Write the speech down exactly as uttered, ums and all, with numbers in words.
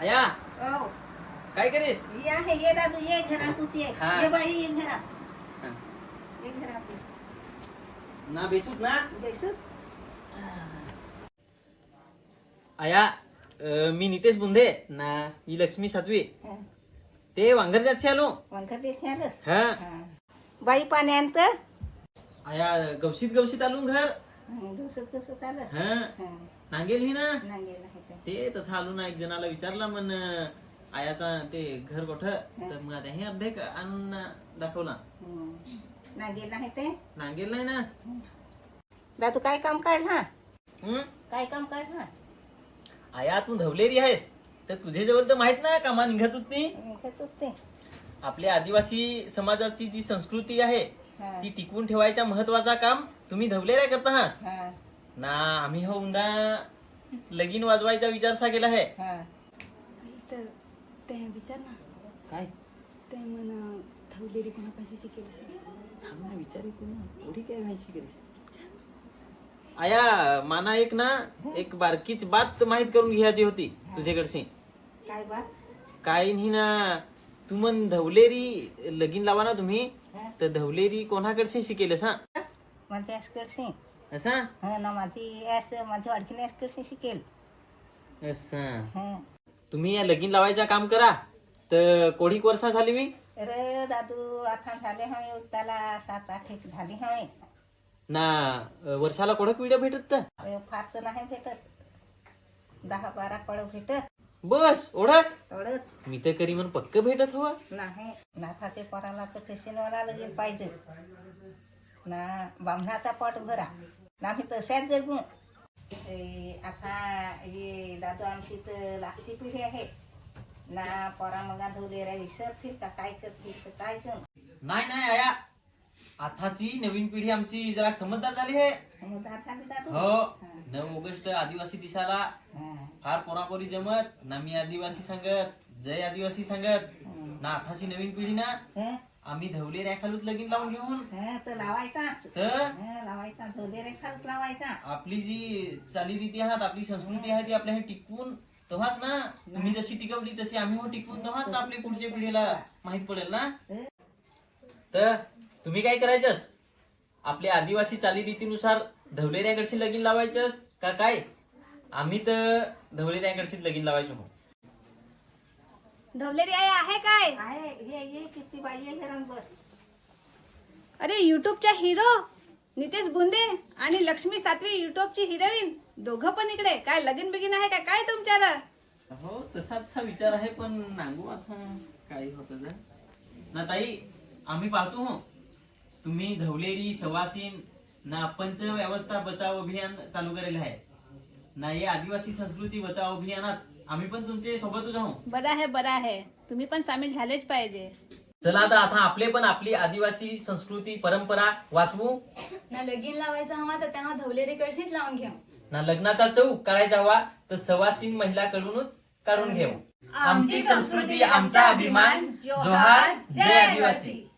आया हो काय करीस? ये आहे ये दादू ये घरात तू ये हा. ये बाई ये घरात हा. ये घरात ये. ना बेसूत ना बेसूत आया अं, मी नितेश बुंधे ना ही लक्ष्मी सातवी हा. ते वांगर जातशी आलो वंकर देते आलंस हा हा. बाई पाण्यात आया गवशीत गवशीत आलो घर दुसत दुसत आलं हा हा. नांगेल ही ना नांगेल आहे ते. ते तथा आलो ना एक जणाला विचारला मन आयाचा ते घर कोठ तर मग आता हे अर्धेक आणून दाखवला हम्म. नांगेल आहे ते नांगेल नाही ना दादू काय काम काढ हा हम्म? काय काम काढ हा आया तू धवलेरी आहेस तर तुझे जवळ तर माहित ना कामा निघत होती घेतोच ते आपल्या आदिवासी समाजाची जी संस्कृती आहे हा. ती टिकवून ठेवायचा महत्वाचा काम तुम्ही धवलेऱ्या करता आहात हा. ना आम्ही हो उंदा लगीन वाजवायचा विचार सा केला आहे हा. तर ते विचार ना काय ते म्हणा थवलेरी कोणापाशी शिकेल थांब ना विचार एवढी काय माहिती करीस आया माना एक ना एक बारकीच बात माहित करून घ्यायची होती तुझ्याकडशी काय बात काय नाही ना तू मन धवलेरी लगीन लावा ना तुम्ही हा. तर धवलेरी कोणाकडशी शिकेलस हा माझी ऍस्करशी असा हा ना माझी ऍस माझी वाडकीने ऍस्करशी शिकेल असा हा. तुम्ही या लगीन लावायचं काम करा तर कोडीक वर्षा झाली मी अरे दादू आता झाले हवे उत्ताला सात आठ एक झाली हवे ना वर्षाला कोडक पिढ्या भेटत तर अरे फार तर नाही भेटत दहा बारा कळ भेटत बस ओढाच एवढंच मी तर करी म्हण पक्क भेटत हवं नाही नाथा ते पोराला तर फॅशनवाला लगेल पाहिजे ना बामणाचा पट भरा ना मी तशाच जगू ए, आता ये दादू आमची तर लागती पिढी आहे ना पोरा मगा धुलेऱ्या विसरतील का काय करतील तर काय जण नाही नाही आया आताची नवीन पिढी आमची जरा समजदार झाली आहे समजदार झाली दादू हो हा. नऊ ऑगस्ट आदिवासी दिसाला हा. फार पोरापोरी जमत ना मी आदिवासी संगत जय आदिवासी संगत हम्म. ना आताची नवीन पिढी ना हं? आम्ही धवले रेखालूत लगीन लावून घेऊन हं, तर लावायचा तर हं, लावायचा धुलेरे खालच लावायचा आपली जी चालीरीती आहात आपली संस्कृती आहे ती आपल्या हे टिकवून तेव्हाच ना तुम्ही जशी टिकवली तशी आम्ही हो टिकवून तेव्हाच आपली पुढच्या पिढीला माहित पडेल ना हं? तर तुम्ही काय करायचं आपल्या आदिवासी चालीरीतीनुसार धवलेऱ्याकडशी लगीन लावायचं का काय आम्ही तर धवलेऱ्याकडशी लगीन लावायचो हो ढवलेरी आई आहे काय आहे ये ये किती बाई ये घरात बस अरे युट्यूबच्या हिरो नितेश बुंदे आणि लक्ष्मी सातवी युट्यूबची हिरोईन दोघं पण इकडे काय लगीन बिगीन आहे काय काय तुमच्याला हो तसाच विचार आहे पण नांगू आता काय होत ना ताई आम्ही पाहतो हो तुम्ही धवलेरी सवासीन ना पंच व्यवस्था बचाव अभियान चालू करेल आहे ना हे आदिवासी संस्कृती बचाव अभियानात आम्ही पण तुमचे सोबतच आहो बरं आहे बरं आहे तुम्ही पण सामील झालेच पाहिजे चला आता आता आपले पण आपली आदिवासी संस्कृती परंपरा वाचवू ना लगीन लावायचा हवा तर तेव्हा धवलेरी कळशीच लावून घ्या ना लग्नाचा चौक काढायचा हवा तर सवासीन महिलाकडूनच काढून घेऊ आमची संस्कृती आमचा अभिमान जोहार जय आदिवासी.